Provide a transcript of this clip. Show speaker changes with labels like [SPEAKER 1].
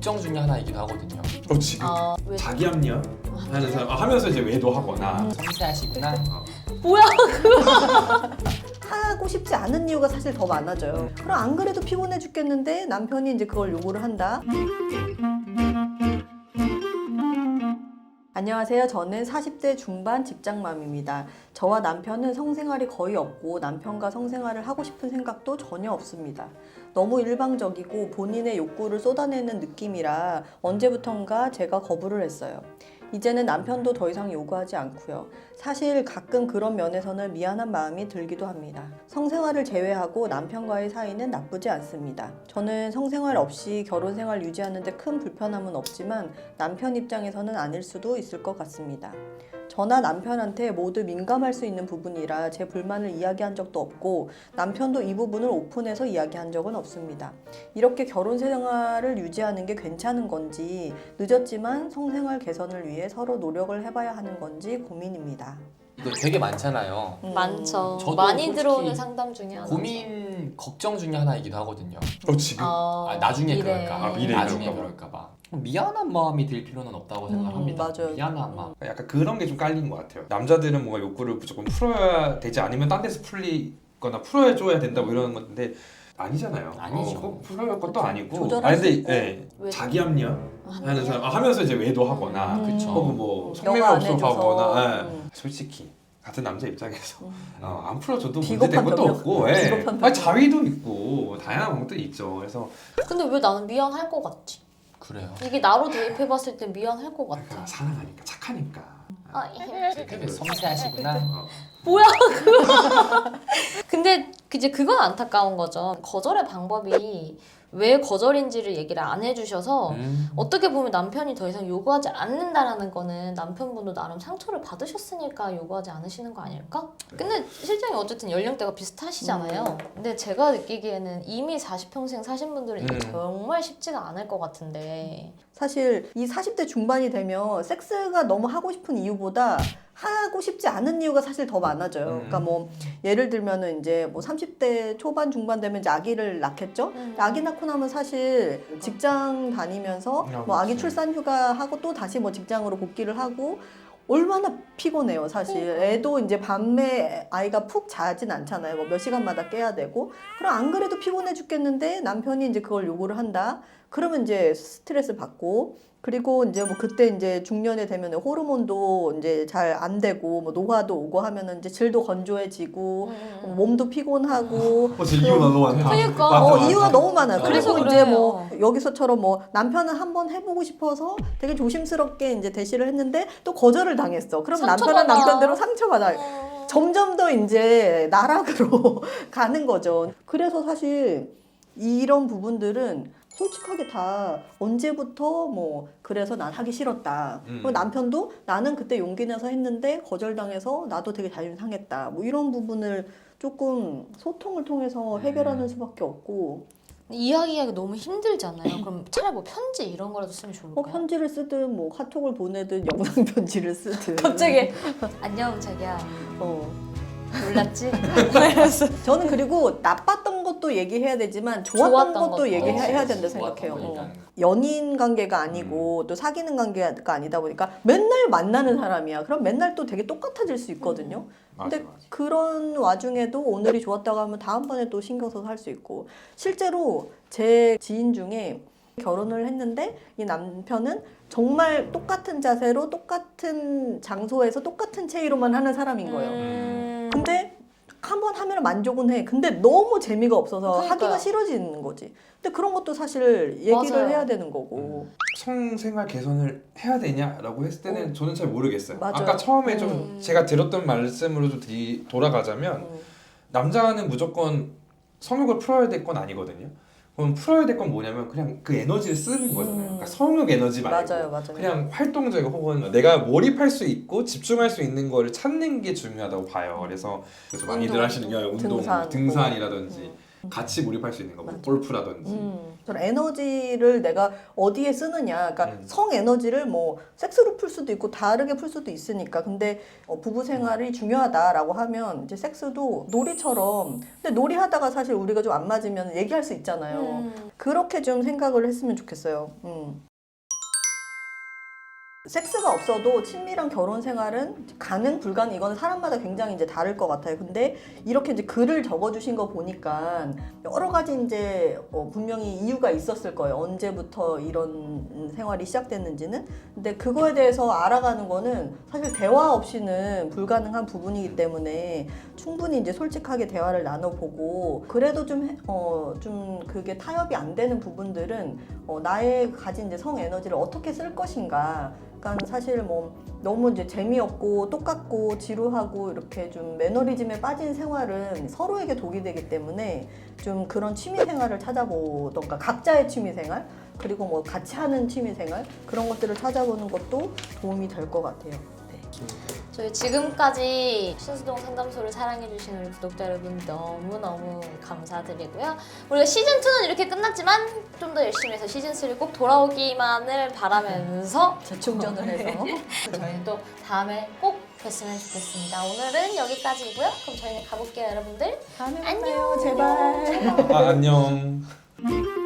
[SPEAKER 1] 걱정 중에 하나이기도 하거든요.
[SPEAKER 2] 지금
[SPEAKER 3] 왜?
[SPEAKER 2] 자기 합리화 하는 사람 하면서 이제 외도하거나
[SPEAKER 1] 섬세하시구나.
[SPEAKER 3] 뭐야?
[SPEAKER 4] 하고 싶지 않은 이유가 사실 더 많아져요. 그럼 안 그래도 피곤해 죽겠는데 남편이 이제 그걸 요구를 한다. 안녕하세요. 저는 40대 중반 직장맘입니다. 저와 남편은 성생활이 거의 없고 남편과 성생활을 하고 싶은 생각도 전혀 없습니다. 너무 일방적이고 본인의 욕구를 쏟아내는 느낌이라 언제부턴가 제가 거부를 했어요. 이제는 남편도 더 이상 요구하지 않고요. 사실 가끔 그런 면에서는 미안한 마음이 들기도 합니다. 성생활을 제외하고 남편과의 사이는 나쁘지 않습니다. 저는 성생활 없이 결혼 생활 유지하는 데 큰 불편함은 없지만 남편 입장에서는 아닐 수도 있을 것 같습니다. 저나 남편한테 모두 민감할 수 있는 부분이라 제 불만을 이야기한 적도 없고 남편도 이 부분을 오픈해서 이야기한 적은 없습니다. 이렇게 결혼 생활을 유지하는 게 괜찮은 건지 늦었지만 성생활 개선을 위해 서로 노력을 해봐야 하는 건지 고민입니다.
[SPEAKER 1] 이거 되게 많잖아요.
[SPEAKER 3] 많죠.
[SPEAKER 1] 저도
[SPEAKER 3] 많이
[SPEAKER 1] 솔직히
[SPEAKER 3] 들어오는 상담 중에 하나.
[SPEAKER 1] 고민, 걱정 중에 하나이기도 하거든요.
[SPEAKER 2] 지금
[SPEAKER 1] 나중에
[SPEAKER 3] 미래.
[SPEAKER 1] 그럴까.
[SPEAKER 2] 미래에
[SPEAKER 1] 나중에
[SPEAKER 2] 그럴까 봐.
[SPEAKER 1] 그럴까 봐. 미안한 마음이 들 필요는 없다고 생각합니다.
[SPEAKER 4] 맞아요.
[SPEAKER 1] 미안한 마음.
[SPEAKER 2] 약간 그런 게 좀 깔린 것 같아요. 남자들은 뭔가 욕구를 무조건 풀어야 되지 않으면 딴 데서 풀리거나 풀어줘야 된다 뭐 이러는 건데 아니잖아요.
[SPEAKER 1] 아니죠.
[SPEAKER 2] 꼭 풀어야 할 것도 아니고.
[SPEAKER 4] 조절할 수 있고.
[SPEAKER 3] 왜?
[SPEAKER 2] 자기 합리화 하는 사람 하면서 이제 외도하거나
[SPEAKER 1] 그쵸.
[SPEAKER 2] 혹은 뭐
[SPEAKER 4] 너가
[SPEAKER 2] 성매매
[SPEAKER 4] 안 해줘서.
[SPEAKER 2] 없어하거나 솔직히 같은 남자 입장에서 안 풀어줘도 문제된
[SPEAKER 4] 비겁한
[SPEAKER 2] 것도
[SPEAKER 4] 변명.
[SPEAKER 2] 없고
[SPEAKER 4] 비겁한
[SPEAKER 2] 아니, 자위도 있고 다양한 방법도 있죠. 그래서
[SPEAKER 3] 근데 왜 나는 미안할 것 같지?
[SPEAKER 1] 그래요.
[SPEAKER 3] 이게 나로 대입해봤을 때 미안할 것
[SPEAKER 2] 그러니까
[SPEAKER 3] 같아.
[SPEAKER 2] 사랑하니까 착하니까
[SPEAKER 1] 되게 섬세하시구나.
[SPEAKER 3] 뭐야 그거? 근데 이제 그건 안타까운 거죠. 거절의 방법이 왜 거절인지를 얘기를 안 해주셔서 어떻게 보면 남편이 더 이상 요구하지 않는다라는 거는 남편분도 나름 상처를 받으셨으니까 요구하지 않으시는 거 아닐까? 근데 실장이 어쨌든 연령대가 비슷하시잖아요. 근데 제가 느끼기에는 이미 40평생 사신 분들은 이게 정말 쉽지가 않을 것 같은데.
[SPEAKER 4] 사실 이 40대 중반이 되면 섹스가 너무 하고 싶은 이유보다 하고 싶지 않은 이유가 사실 더 많아져요. 그러니까 뭐 예를 들면은 이제 뭐 30대 초반 중반 되면 이제 아기를 낳겠죠. 아기 낳고 나면 사실 직장 다니면서 뭐 아기 출산 휴가 하고 또 다시 뭐 직장으로 복귀를 하고 얼마나 피곤해요, 사실. 애도 이제 밤에 아이가 푹 자진 않잖아요. 뭐 몇 시간마다 깨야 되고. 그럼 안 그래도 피곤해 죽겠는데 남편이 이제 그걸 요구를 한다. 그러면 이제 스트레스 받고, 그리고 이제 뭐 그때 이제 중년에 되면 호르몬도 이제 잘 안 되고, 뭐 노화도 오고 하면은 이제 질도 건조해지고, 몸도 피곤하고.
[SPEAKER 2] 진짜 이유가 너무 많다.
[SPEAKER 3] 그러니까.
[SPEAKER 2] 많다.
[SPEAKER 4] 이유가 너무 많아요.
[SPEAKER 3] 그래서
[SPEAKER 4] 그리고 이제
[SPEAKER 3] 그래요.
[SPEAKER 4] 뭐 여기서처럼 뭐 남편은 한번 해보고 싶어서 되게 조심스럽게 이제 대시를 했는데 또 거절을 당했어. 그럼 남편은
[SPEAKER 3] 상처받아.
[SPEAKER 4] 남편대로 상처받아요. 점점 더 이제 나락으로 가는 거죠. 그래서 사실 이런 부분들은 솔직하게 다 언제부터 뭐 그래서 난 하기 싫었다. 그리고 남편도 나는 그때 용기 내서 했는데 거절당해서 나도 되게 자존심 상했다. 뭐 이런 부분을 조금 소통을 통해서 해결하는 수밖에 없고.
[SPEAKER 3] 이야기하기 너무 힘들잖아요. 그럼 차라리 뭐 편지 이런 거라도 쓰면 좋을까요?
[SPEAKER 4] 편지를 쓰든 뭐 카톡을 보내든 영상 편지를 쓰든.
[SPEAKER 3] 갑자기 안녕 자기야
[SPEAKER 4] 어.
[SPEAKER 3] 몰랐지?
[SPEAKER 4] 저는 그리고 나빴던 것도 얘기해야 되지만
[SPEAKER 3] 좋았던
[SPEAKER 4] 좋았던 것도
[SPEAKER 3] 것도.
[SPEAKER 4] 얘기해야 된다
[SPEAKER 1] 좋았던
[SPEAKER 4] 생각해요.
[SPEAKER 1] 거 얘기하는 거.
[SPEAKER 4] 연인 관계가 아니고 또 사귀는 관계가 아니다 보니까 맨날 만나는 사람이야. 그럼 맨날 또 되게 똑같아질 수 있거든요. 근데
[SPEAKER 2] 맞아.
[SPEAKER 4] 그런 와중에도 오늘이 좋았다고 하면 다음번에 또 신경 써서 할 수 있고. 실제로 제 지인 중에 결혼을 했는데 이 남편은 정말 똑같은 자세로 똑같은 장소에서 똑같은 체위로만 하는 사람인 거예요. 근데 한 번 하면 만족은 해. 근데 너무 재미가 없어서
[SPEAKER 3] 그러니까요.
[SPEAKER 4] 하기가 싫어지는 거지. 근데 그런 것도 사실 얘기를
[SPEAKER 3] 맞아요.
[SPEAKER 4] 해야 되는 거고.
[SPEAKER 2] 성생활 개선을 해야 되냐라고 했을 때는 저는 잘 모르겠어요.
[SPEAKER 4] 맞아요.
[SPEAKER 2] 아까 처음에 좀 제가 들었던 말씀으로 좀 돌아가자면 남자는 무조건 성욕을 풀어야 될 건 아니거든요. 그럼 풀어야 될 건 뭐냐면 그냥 그 에너지를 쓰는 거잖아요. 그러니까 성욕 에너지 말고
[SPEAKER 4] 맞아요.
[SPEAKER 2] 그냥 활동적이고 혹은 내가 몰입할 수 있고 집중할 수 있는 거를 찾는 게 중요하다고 봐요. 그래서 많이들
[SPEAKER 3] 운동,
[SPEAKER 2] 하시는 게 운동,
[SPEAKER 4] 등산.
[SPEAKER 2] 등산이라든지 같이 몰입할 수 있는 거, 뭐 골프라든지.
[SPEAKER 4] 저는 에너지를 내가 어디에 쓰느냐, 그러니까 성 에너지를 뭐 섹스로 풀 수도 있고 다르게 풀 수도 있으니까. 근데 부부 생활이 중요하다라고 하면 이제 섹스도 놀이처럼, 근데 놀이하다가 사실 우리가 좀 안 맞으면 얘기할 수 있잖아요. 그렇게 좀 생각을 했으면 좋겠어요. 섹스가 없어도 친밀한 결혼 생활은 가능, 불가능, 이거는 사람마다 굉장히 이제 다를 것 같아요. 근데 이렇게 이제 글을 적어주신 거 보니까 여러 가지 이제 분명히 이유가 있었을 거예요. 언제부터 이런 생활이 시작됐는지는. 근데 그거에 대해서 알아가는 거는 사실 대화 없이는 불가능한 부분이기 때문에 충분히 이제 솔직하게 대화를 나눠보고, 그래도 좀 그게 타협이 안 되는 부분들은 나의 가진 이제 성 에너지를 어떻게 쓸 것인가. 그러니까 사실 뭐 너무 이제 재미없고 똑같고 지루하고 이렇게 좀 매너리즘에 빠진 생활은 서로에게 독이 되기 때문에 좀 그런 취미 생활을 찾아보던가, 각자의 취미 생활, 그리고 뭐 같이 하는 취미 생활, 그런 것들을 찾아보는 것도 도움이 될 것 같아요. 네.
[SPEAKER 3] 저희 지금까지 신수동 상담소를 사랑해주신 우리 구독자 여러분 너무너무 감사드리고요. 우리가 시즌2는 이렇게 끝났지만 좀 더 열심히 해서 시즌3 꼭 돌아오기만을 바라면서
[SPEAKER 4] 재충전을 해서
[SPEAKER 3] 저희는 또 다음에 꼭 뵀으면 좋겠습니다. 오늘은 여기까지이고요. 그럼 저희는 가볼게요, 여러분들.
[SPEAKER 4] 다음에 만나요. 제발.
[SPEAKER 2] 안녕.